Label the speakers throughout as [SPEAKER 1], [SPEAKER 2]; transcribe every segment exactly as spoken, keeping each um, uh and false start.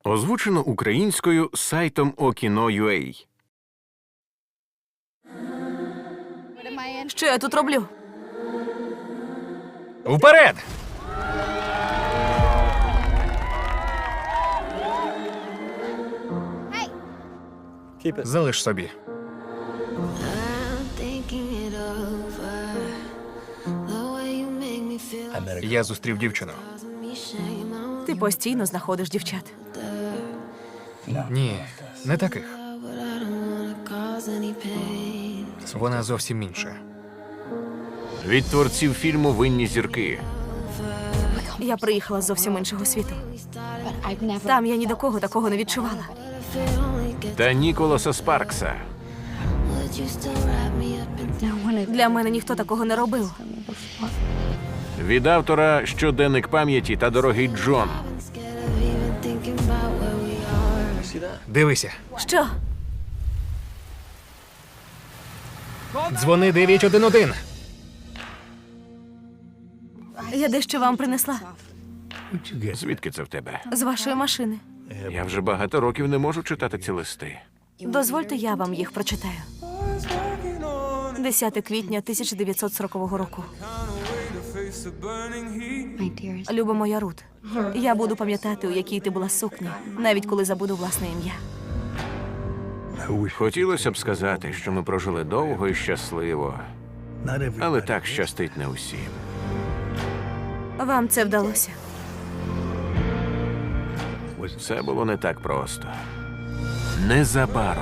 [SPEAKER 1] Озвучено українською сайтом Okino.ua.
[SPEAKER 2] Що я тут роблю?
[SPEAKER 3] Вперед! Залиш собі. Я зустрів дівчину.
[SPEAKER 2] Ти постійно знаходиш дівчат.
[SPEAKER 3] Ні, не таких. Вона зовсім інша.
[SPEAKER 1] Від творців фільму «Винні зірки».
[SPEAKER 2] Я приїхала з зовсім іншого світу. Там я ні до кого такого не відчувала.
[SPEAKER 1] Та Ніколаса Спаркса.
[SPEAKER 2] Для мене ніхто такого не робив.
[SPEAKER 1] Від автора «Щоденник пам'яті» та «Дорогий Джон».
[SPEAKER 3] Дивися.
[SPEAKER 2] Що?
[SPEAKER 3] Дзвони дев'ять один один.
[SPEAKER 2] Я дещо вам принесла.
[SPEAKER 1] Звідки це в тебе?
[SPEAKER 2] З вашої машини.
[SPEAKER 1] Я вже багато років не можу читати ці листи.
[SPEAKER 2] Дозвольте, я вам їх прочитаю. десяте квітня тисяча дев'ятсот сорокового року. Люба моя Рут, я буду пам'ятати, у якій ти була сукні, навіть коли забуду власне ім'я.
[SPEAKER 1] Хотілося б сказати, що ми прожили довго і щасливо. Але так щастить не усім.
[SPEAKER 2] Вам це вдалося.
[SPEAKER 1] Все було не так просто. Незабаром.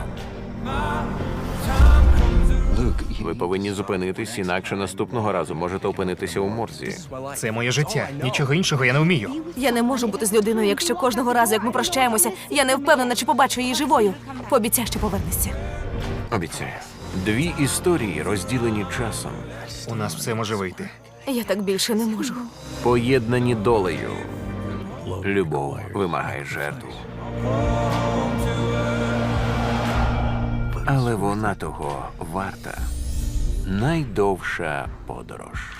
[SPEAKER 1] Ви повинні зупинитись, інакше наступного разу можете опинитися у морзі.
[SPEAKER 3] Це моє життя. Нічого іншого я не вмію.
[SPEAKER 2] Я не можу бути з людиною, якщо кожного разу, як ми прощаємося, я не впевнена, чи побачу її живою. Пообіцяй, що повернешся.
[SPEAKER 1] Обіцяю. Дві історії, розділені часом.
[SPEAKER 3] У нас все може вийти.
[SPEAKER 2] Я так більше не можу.
[SPEAKER 1] Поєднані долею. Любов вимагає жертв. Але вона того варта. Найдовша подорож.